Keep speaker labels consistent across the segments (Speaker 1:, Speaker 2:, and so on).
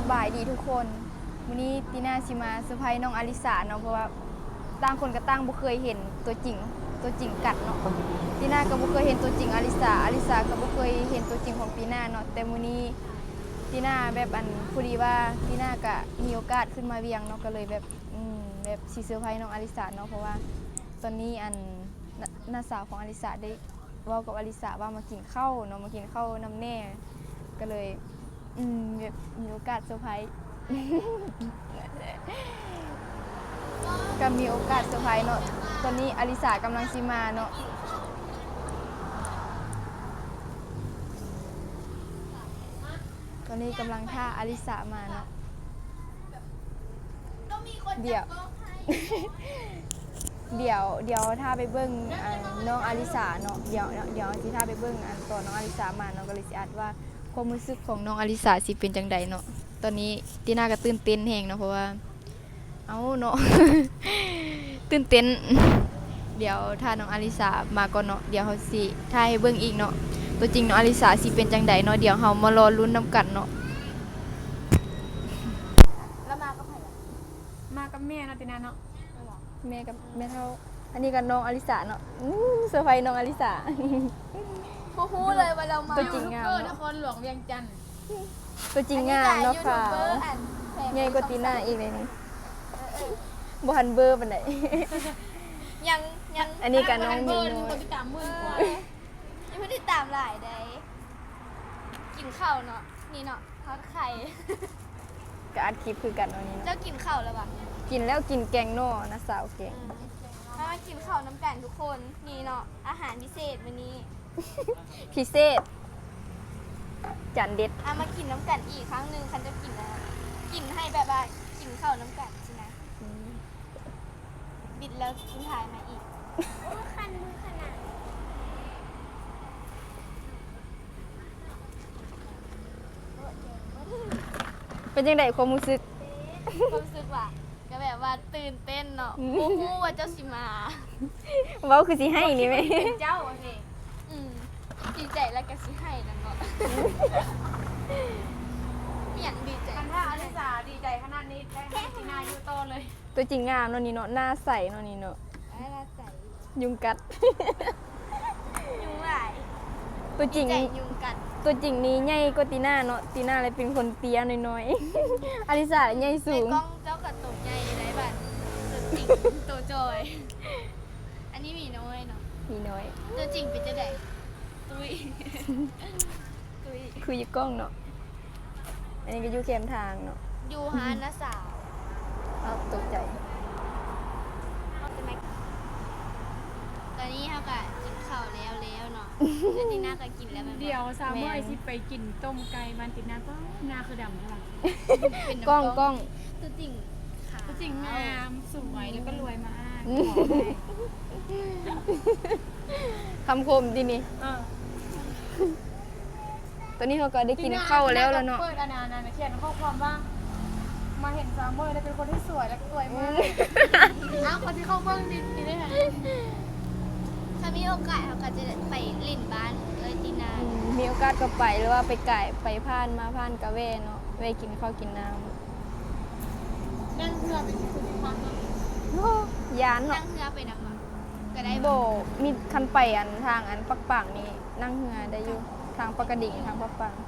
Speaker 1: บายดีทุกคนวันนี้ตีน่าชิมาเซอร์ไพรส์น้องอลิสาเนาะเพราะว่าต่างคนก็ต่างบ่เคยเห็นตัวจริงกัดเนาะตีน่าก็บ่เคยเห็นตัวจริงอลิสาก็บ่เคยเห็นตัวจริงของตีน่าเนาะแต่มื้อนี้ตีน่าแบบพอดีว่าตีน่าก็มีโอกาสขึ้นมาเวียงเนาะก็เลยแบบแบบสิเซอร์ไพรส์น้องอลิสาเนาะเพราะว่าตอนนี้น้าสาวของอลิสาได้เว้ากับอลิสาว่ามากินข้าวเนาะมากินข้าวน้ำแน่ก็เลยแบบมีโอกาสเซอร์ไพรส์ก็มีโอกาสเซอร์ไพรส์เนาะตอนนี้อลิสากำลังสิมาเนาะตอนนี้กำลังท่าอลิสามาเนาะเดี๋ยวถ้าไปเบิ้งน้องอลิสาเนาะเดี๋ยวที่ถ้าไปเบิ้งตอนน้องอลิสามาเนาะก็เลยสิอัดว่าความรู้สึกของน้องอลิสาสิเป็นจังใดเนาะตอนนี้ตีน่าก็ตื่นเต้นแฮงเนาะเพราะว่าเอาเนาะ ตื่นเต้นเดี๋ยวถ้าน้องอลิสามาก่อนเนาะเดี๋ยวเขาสิถ่ายให้เบิ่งอีกเนาะตัวจริงน้องอลิสาสิเป็นจังใดเนาะเดี๋ยวเฮามารอลุ้นนำกันเนาะแล้วมากับไผล่ะ
Speaker 2: มากับแม่เนาะตินาเนาะ
Speaker 1: แม่กับแม่เท่าอันนี้กับน้องอลิสาเนาะเซอร์ไพรส์น้องอลิสาบ่ฮู้เลยว่าเรามาตัวจริงงาม
Speaker 2: นครหลวงเวียงจันทน์
Speaker 1: ตัวจริงงามเนาะค่ะใหญ่กว่าตีน่าอีกเลยนี่บ่ทันเบอร์ปานใด
Speaker 3: ยัง
Speaker 1: อันนี้กับน้องมีน้อย
Speaker 2: คนที่ตามมือกว่า
Speaker 3: ยังไม่ได้ตามหลายได้กินข้าวเนาะนี่เนาะทอดไข่
Speaker 1: ก็อัดคลิปคือกันเนาะนี่
Speaker 3: เจ้ากินข้าวแล้วปะ
Speaker 1: กินแล้วกินแกงโน่นะสาวแกง
Speaker 3: มากินข้าวน้ำกันทุกคนนี่เนาะอาหารพิเศษวันนี้
Speaker 1: พิเศษจานเด็ด
Speaker 3: มากินน้ำกันอีกครั้งหนึ่งคันจะกินนะกินให้แบบว่ากินข้าวน้ำกันใช่ไหมบิดแล้วกินถ่ายมาอีกโอ้คันมือขนาด
Speaker 1: เป็นยังไงความรู้สึก
Speaker 3: ว่าก็แบบว่าตื่นเต้นเนาะโอ้โหว่าเจ้าสิมา
Speaker 1: เว้าคือสิให้นี่ไหม
Speaker 3: เจ้าโอเคดีใจแล้วก็สิให้นั่นเนาะมีอย่างดีใจ
Speaker 2: กันถ้าอลิสาดีใจขนาดนี้ได้ให้ตินาอยู่โตเลย
Speaker 1: ตัวจริงงามเนาะนี่เนาะหน้าใสเนาะนี่เนาะ
Speaker 3: หน้าใส
Speaker 1: ยุงกัด
Speaker 3: ยุงหลาย
Speaker 1: ตัวจริง
Speaker 3: ยุงกัด
Speaker 1: ตัวจริงนี้ใหญ่กว่าตีน่าเนาะตีน่าเลยเป็นคนเตี้ยน้อยๆอลิสาใหญ่สูง
Speaker 3: ในกล้องเจ้ากับตัวใหญ่ในบัดตัวจริงตัวจอยอันนี้มีน้อยเนาะ
Speaker 1: มีน้อย
Speaker 3: ตัวจริงเป็นจะได้ตุย
Speaker 1: คืออยู่กล้องเนาะอันนี้ก็อยู่เข้มทางเนาะ
Speaker 3: อยู่หาน้าสาว
Speaker 1: ตกใจ
Speaker 3: ตอนนี้เขาก็กินข้าวแล้วเนาะแล้วตีน่าก็กินแล้ว
Speaker 2: เดี๋ยวสาวเมื่อสิไปกินต้มไก่มันตินาก็หน้าคือดำใช่ปะ
Speaker 1: กล้อง
Speaker 3: ตัวจริงค่ะ
Speaker 2: ตัวจริงงามสวยแล้วก็รวยมาก
Speaker 1: คำคมดีนี่ตอนนี้เขาก็ได้กินข้าวแล้วเนาะ
Speaker 2: เปิดอนาเขียนข้อความว่ามาเห็นสาวเมื่อได้เป็นคนที่สวยและรวยมากคนที่เข้าเบิ้งดีได้ไหม
Speaker 3: ถ้ามีโอกาสเขาก็จะไปลิ่นบ้านตีนา
Speaker 1: มีโอกาสก็ไปหรือว่าไปไก่ไปผ่านมาผ่านกะเวเนาะเวกินข้าวกินน้
Speaker 2: ำนั่งเรือไปสุพรรณ
Speaker 1: ยานเนาะ
Speaker 3: นั่งเรือไปนำมาก็ได้
Speaker 1: โบมีคันไปทางปักปังนี่นั่งเรือได้อยู่ทางปกดิ่งทางปักปัง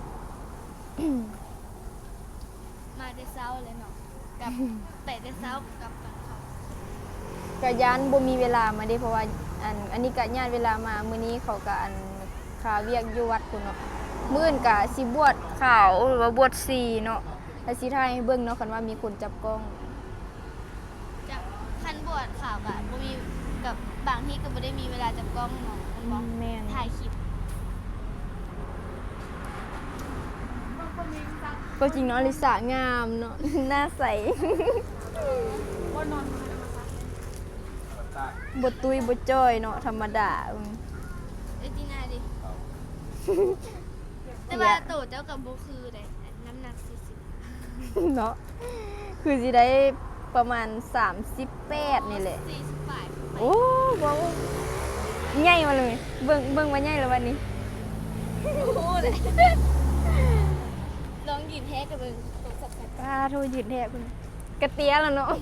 Speaker 3: มาได้เช้าเลยเนาะกับแต่ได้เช้ากับเขา
Speaker 1: กะยานบ่มีเวลามาเด้เพราะว่าอันนี้กะญาติเวลามามื้อนี้เขากะคาเวียกอยู่วัดพุ่นเนาะมื้ออื่นกะสิบวชขาวหรือว่าบวชชีเนาะแล้วสิถ่ายให้เบิ่งเนาะคันว่ามีคนจับกล้อง
Speaker 3: จับคันบวชขาวกะบ่มีกับบางที่ก็บ่ได้มีเวลาจับกล้องเนาะ
Speaker 1: แม่น
Speaker 3: ถ่ายคลิป
Speaker 1: ก็จริงเนาะลิสางามเนาะหน้าใสบทตุยบทจ้อยเนาะธรรมดา
Speaker 3: จีน่าดิแต่ว่าโตเจ้ากับโบคือได้น้ำหนัก40
Speaker 1: เนาะคือสิได้ประมาณ38นี่แหละ
Speaker 3: 48
Speaker 1: โอ้ว้าวใหญ่มาเลยเบิ่งว่าใหญ่แล้ววันนี้
Speaker 3: โอ้เลยลองยืยืนแท้กับเบิ่งโทรศัพท์กัน
Speaker 1: ป้าโทรยืนแท้คุณกระเตี้ยแล้วเนาะ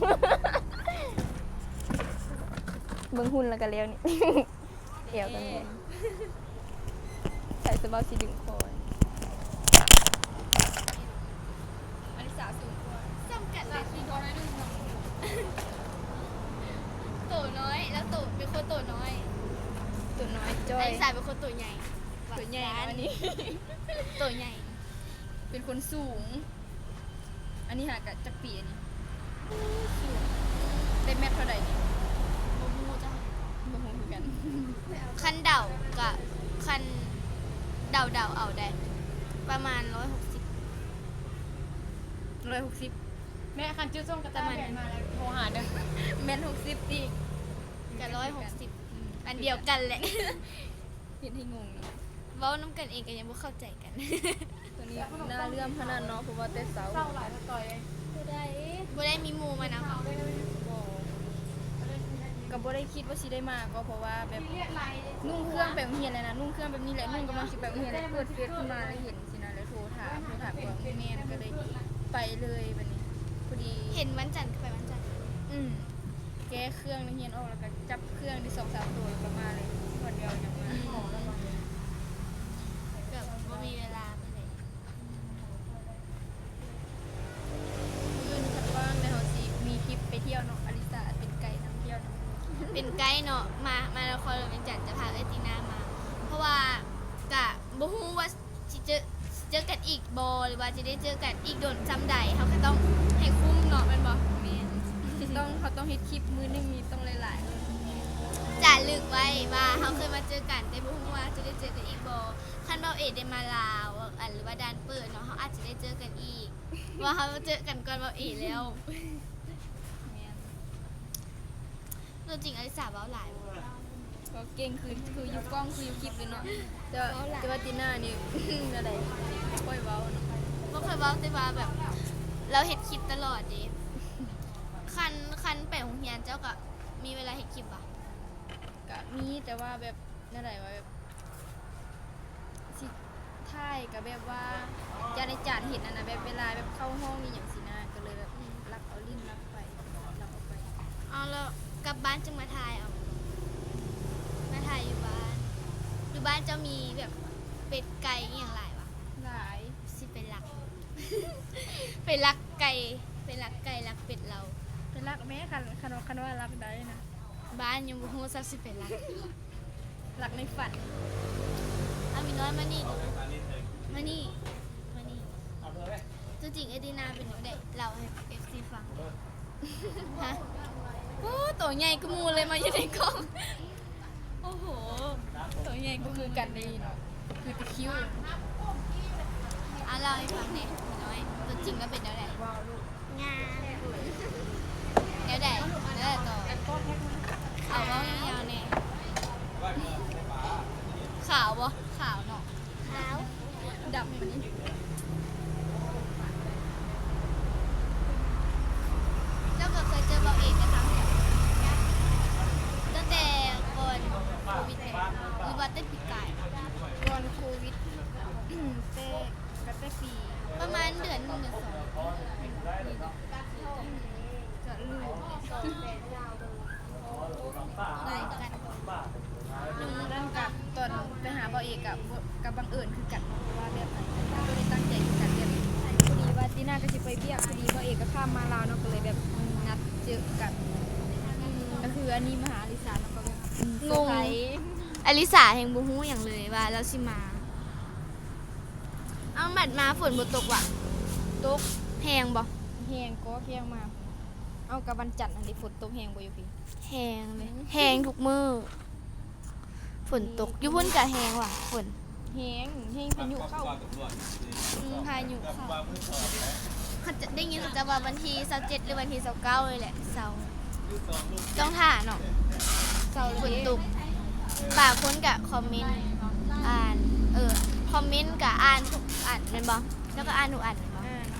Speaker 1: เบิ่งหุ่นแล้วก็เลี้ยวนี่ เดี๋ยวกันเลยใส่สบายสีดึงคอยอลิสาสูงกว่า
Speaker 3: จำกัดเลยทีน้อยนึงโตน้อยแล้วโตเป็นคนโตน้อย
Speaker 1: ตัวน้อยจ้อ
Speaker 3: ไอ้
Speaker 1: ย
Speaker 3: สายเป็นคนโตใหญ่
Speaker 1: ตัวใหญ่นะอันนี้
Speaker 3: โตใหญ่
Speaker 1: เป็นคนสูง อันนี้หากะจักปีอันนี้สูงได้เม็ดเท่าไหร่นี่
Speaker 3: โมมูจ้ะ
Speaker 1: บ่ฮู้คือกัน
Speaker 3: คันเดากับคันเดาเอาได้ ประมาณ160
Speaker 1: 160
Speaker 2: แม่คันจิ้วส้มกระตาแม่มาแล้วโทรหาเด้อ
Speaker 1: แม่น60ติ
Speaker 3: กับ160อันเดียวกันแหละ
Speaker 1: เห็นให้งงเนาะ
Speaker 3: เว้าน้ำกันเองก็ยังบ่เข้าใจกัน
Speaker 1: ตัวนี้น่าเลื่อมขนาดเนาะเพราะว่าแต่เสา
Speaker 2: เศร้าหลายต่อยเลย
Speaker 3: บ่ได้มีหมู่มานะคะ
Speaker 1: ก็บ่ได้คิดว่าสิได้มาก็เพราะว่าแบบ
Speaker 2: เรียกไร
Speaker 1: นุ่งเครื่องแบบเฮียนเลยนะนุ่งเครื่องแบบนี้แหละนุ่งกำลังสิแบบเฮียนเลยเปิดเฟซขึ้นมาแล้วเห็นสินะแล้วโทรถามก่อนแม่ก็เลยไปเลยแบบนี้พอดี
Speaker 3: เห็นวันจันทร์ก็ไปวันจันทร์
Speaker 1: แก้เครื่องในเฮียนออกแล้วก็จับเครื่องที่2-3ตัวแล้วก็มาเลยวันเดียวยังมา
Speaker 3: ก็บ่มีเวลาไปเลย
Speaker 1: มื้อนี้คันว่างแล้วเฮาสิมีคลิปไปเที่ยวเนาะอลิสาเป็นไกด์นำเที่ยวเนาะ
Speaker 3: เป็นไกด์เนาะมานครหลวงเวียงจันทร์จะพาเอตินามา เพราะว่ากะบ่ฮู้ว่าสิเจอกันอีกบ่หรือว่าจะได้เจอกันอีกโดนจำใดเฮาก็ต้องให้คุ้มเนาะแม่นบ่แม่น
Speaker 1: เขาต้องเฮ็ดคลิปมื้อหนึงมีต้องหลายๆเลย
Speaker 3: จะลึกไว้ว่าเฮาเคยมาเจอกันแต่บ่ฮู้ว่าจะได้เจอกันอีกบ่คันเบาเอกได้มาลาวหรือว่าด่านเปิดเนาะเฮาอาจจะได้เจอกันอีก ว่าเฮาเจอกันก่อนเบาเอกแล้ว
Speaker 1: แม่น
Speaker 3: ตัวจริงอลิสาเว้าหลายบ่
Speaker 1: ก็เก่งคืออยู่กล้องคืออยู่คลิปเลยเนาะแต่ว่าตีน่านี่ อะไรค่อยเว้าเนาะ
Speaker 3: บ่เคยเว้าแต่ว่าแบบ เราเฮ็ดคลิปตลอดเด้คันไปโรงเรียนเจ้าก็มีเวลาเฮ็ดคลิปบ่
Speaker 1: ก็มีแต่ว่าแบบนั่นแหละว่าแบบสิถ่ายก็แบบว่าจะในจานเห็นอันนะแบบเวลาแบบเข้าห้องนี่อย่างสินะก็เลยแบบรักเอาลิ้นรักไปรักเอาไป
Speaker 3: เอาแล้วกลับบ้านจึงมาถ่ายเอามาถ่ายอยู่บ้านอยู่บ้านเจ้ามีแบบเป็ดไก่อหย่างหลายวะ
Speaker 1: หลาย
Speaker 3: สิเป็นรัก เป็นรักไก่เป็นรักไก่รักเป็ดเรา
Speaker 1: เป็นรักแม่คันว่ารักได้นะ
Speaker 3: บ้านยังบ่ฮู้ซักสิเป็นรัก
Speaker 1: รักในฝัน
Speaker 3: เอามีน้อยมานี่ดูมานี่ตัวจริงเอดีนาเป็นจังได๋เล่าให้ FC ฟังฮะโอ้ตัวใหญ่กูมูเลยมาอยู่ในกล้องโอ้โหตัวใหญ่กู
Speaker 1: ก็
Speaker 3: มู
Speaker 1: คือกันดีเนาะคือตะคริว
Speaker 3: อ่ะเล่าให้ฟังหน่อยมีน้อยตัวจริงแล้วเป็นจังได๋
Speaker 1: ว้าวลูก
Speaker 3: งามเดี๋ยวได้ต่อเอาเว้ายาวๆเนี่ยขาวบ่ขาวเนาะขาว
Speaker 1: ดำแบบนี้
Speaker 3: เจ้าก็เคยเจอเบาเอกกันทั้งตั้งแต่ก่อนโควิดเนี่ยหรือว่าตั้งปีกาย
Speaker 1: ก่อนโควิด แต่ก็แต่ปี
Speaker 3: ประมาณเดือนหนึ่งเดือนสอง
Speaker 1: จะลืม
Speaker 3: ไล่กัน
Speaker 1: นั่นกับตอนไปหาบ่อเอกกับบังเอิญคือกันเพราะว่าแบบก็ได้ตั้งใจคือกันแบบพอดีว่าตีน่าก็สิไปเบี้ยพอดีบ่อเอกก็ข้ามมาลาวเนาะก็เลยแบบนัดเจอกันก็คืออันนี้มาหาอลิสาเนาะก็แบบเซอร์ไพรส์
Speaker 3: อลิสาแห่งบูฮู้อย่างเลยว่าเราสิมา เอาหมัดมาฝนบ่ตกว่ะ
Speaker 1: ตก
Speaker 3: แหงบ่
Speaker 1: แหงก็แหงมาเอากับวันจันทร์อันนี้ฝนตกแหงบ่อยู่พี่
Speaker 3: แหงเลยแหงทุกมือฝนตกอยู่พุ่นกะแหงว่ะฝน
Speaker 1: แหงพายุเข้า
Speaker 3: พายุเข้าเขาจะได้ยินเขาจะว่าวันที่27หรือวันที่29เลยแหละเสาร์ต้องถ่าเนาะ
Speaker 1: เศร้า
Speaker 3: ฝน
Speaker 1: เลย
Speaker 3: ตกบางคนกะคอมเมนต์อ่านคอมเมนต์กะอ่านทุกอ่านแม่นบ่แล้วก็อ่านทุกอ่านแม่นบ่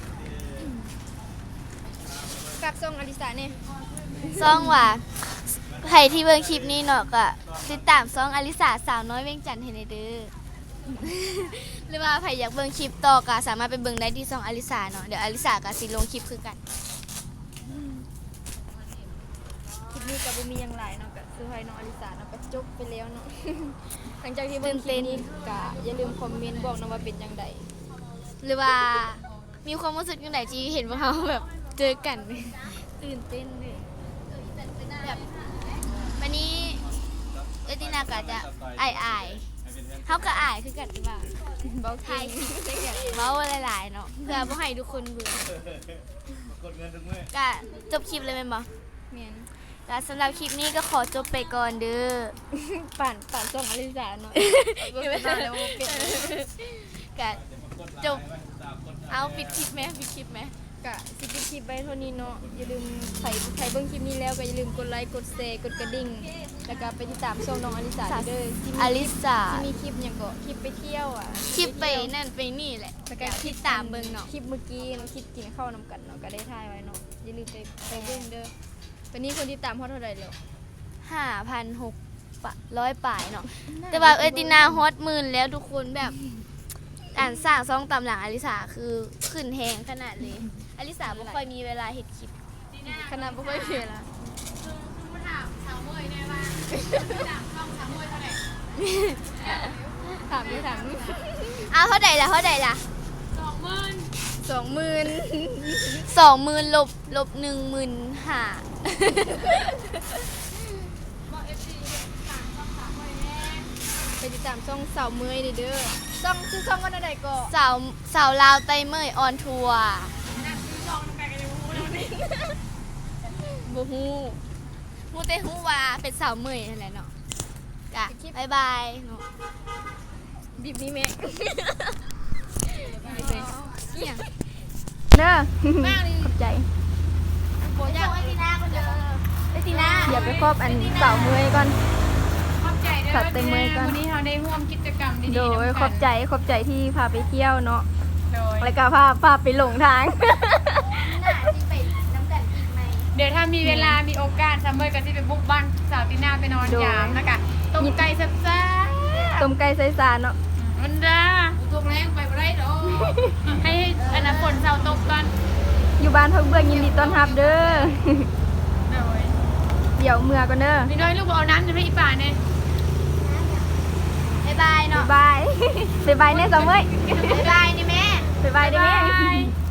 Speaker 1: กับทรงอลิสาเนี่ย
Speaker 3: ซ่องว่าใครที่เบิ่งคลิปนี้เนาะก็ติดตามซ่องอลิสาสาวน้อยเวียงจันทน์ให้ในเด้อหรือว่าใครอยากเบิ่งคลิปต่อก็สามารถไปเบิ่งได้ที่ช่องอลิสาเนาะเดี๋ยวอลิสาก็สิลงคลิปคือกัน
Speaker 1: คลิปนี้ก็บ่มีหยังหลายเนาะก็เซอร์ไพรส์น้องอลิสาเนาะก็จบไปแล้วเนาะ หลังจากที่เบิ่งคลิปนี้ก็อย่าลืมคอมเมนต์บอกเนาะว่าเป็นจังได
Speaker 3: หรือว่ามีความรู้สึกยังไงที่เห็นว่าเขาแบบเจอกัน
Speaker 1: ตื่นเต้นเลย
Speaker 3: แบบวันนี้เอตินาก็จะอายเขาก็อายคือกันหรือเปล่า
Speaker 1: เบา
Speaker 3: ถ่า
Speaker 1: เก่
Speaker 3: ย
Speaker 1: ง
Speaker 3: คลิปด้วยกันเมาหลายๆเนาะเพื่อบ่ให้ทุกคนเบื่อ
Speaker 4: กดเงินทุกเมื่อ
Speaker 3: ก็จบคลิปเลยแม่นบ่
Speaker 1: แม่น
Speaker 3: ก็สำหรับคลิปนี้ก็ขอจบไปก่อนเด้อ
Speaker 1: ปั่นส่งอลิสาเนาะบ่เป็นไรแล้วบ่เป็น
Speaker 3: ก็จบเอาปิดคลิปไหมปิดคลิปไหม
Speaker 1: ก็สิปิดคลิปไว้เท่านี้เนาะอย่าลืมใครเบิ่งคลิปนี้แล้วก็อย่าลืมกดไลค์กดแชร์กดกระดิ่งแล้วก็ไปติดตามช่องน้องอลิสาเด้อที่
Speaker 3: อลิสา
Speaker 1: มีคลิปหยังก็คลิปไปเที่ยวอ่ะ
Speaker 3: คลิปไปนั่นไปนี่แหละ
Speaker 1: แล้วก็
Speaker 3: คิดตามเบิ่งเนาะ
Speaker 1: คลิปเมื่อกี้เนาะคลิปกินข้าวนำกันเนาะก็ได้ถ่ายไว้เนาะอย่าลืมไปเบิ่งเด้อตอนนี้คนที่ตามเท่าไหร่แล้ว
Speaker 3: 5,600 ป่ายเนาะแต่ว่าเอตินาฮอตหมื่นแล้วทุกคนแบบอ่านสร้างซองตำหลังอลิสาคือขึ้นแหงขนาดเลยอลิสาบ่ค่อยมีเวลาเฮ็ดคลิป
Speaker 1: ขนาดบ่ค่อยเห็นละ
Speaker 2: มาถามสาวเมยแน่ว่าถามช่องสาวเมยเท่าไหร่
Speaker 1: ถามด้วยถาม
Speaker 3: เอาเท่าใดล่ะเท่าใดล่ะ
Speaker 2: 20,000
Speaker 1: 20,000
Speaker 3: 20,000ลบ15,000
Speaker 2: บอก FC ถามช่องสาวเมยแน่
Speaker 1: ไปติดตามช่องสาวเมยเด้อช่องชื่อช่องว่าอะไรก็
Speaker 3: สาวลาวไตเมยออนทัวร์
Speaker 2: นั่นคือช่องแปลกันยังรู้แล้วนี่
Speaker 1: บ่ฮู้
Speaker 3: ฮู้แต่ฮู้ว่าเป็นสาวเมยนั่นแหละเนาะกะบ๊ายบายเนาะ
Speaker 1: บีบนี้แม่
Speaker 3: เอี่ยง
Speaker 1: เด้อขอบใจ
Speaker 3: โบอยากไอตินาคนเดียวไอตินา
Speaker 1: อย่าไปครอบอันสาวเมยก่อน
Speaker 2: ขอบใจเด้อ
Speaker 1: ขอบใจเมย์ก่อน
Speaker 2: วันนี้เราได้ร่วมกิจกรรมดีๆ
Speaker 1: โดยขอบใจที่พาไปเที่ยวเนาะ
Speaker 2: โดย
Speaker 1: แล้วก็พาไปหลงทาง
Speaker 3: น่าจะไปน้ำกันอีกไหม
Speaker 2: เดี๋ยวถ้ามีเวลามีโอกาสซัมเมอร์ก็ที่ไปบุกบ้านสาวตินาไปนอน
Speaker 1: โดย
Speaker 2: ยามนะคะต้มไก่แซ่บ
Speaker 1: ต้มไก่ใส่สารเนาะ
Speaker 2: ๆมันด้าตัวแรงไปบ่ได้ดอกให้อันนั้นฝนเสาตกก่อน
Speaker 1: อยู่บ้านพักเบื้องยินดีต้อนรับเด้อ
Speaker 2: โดย
Speaker 1: เดี๋ยวเมื่อก่อนเด้อ
Speaker 2: นี่น้อยลูกเอาน้ำจะให้อีป่าเนี่ย
Speaker 3: บ๊ายบายเนาะ
Speaker 1: บ๊ายบาย บ๊ายบายแน่สาวเมย
Speaker 3: บ๊ายบายนี่แม่
Speaker 1: บ๊ายบายเด้อแม่
Speaker 2: บ๊ายบาย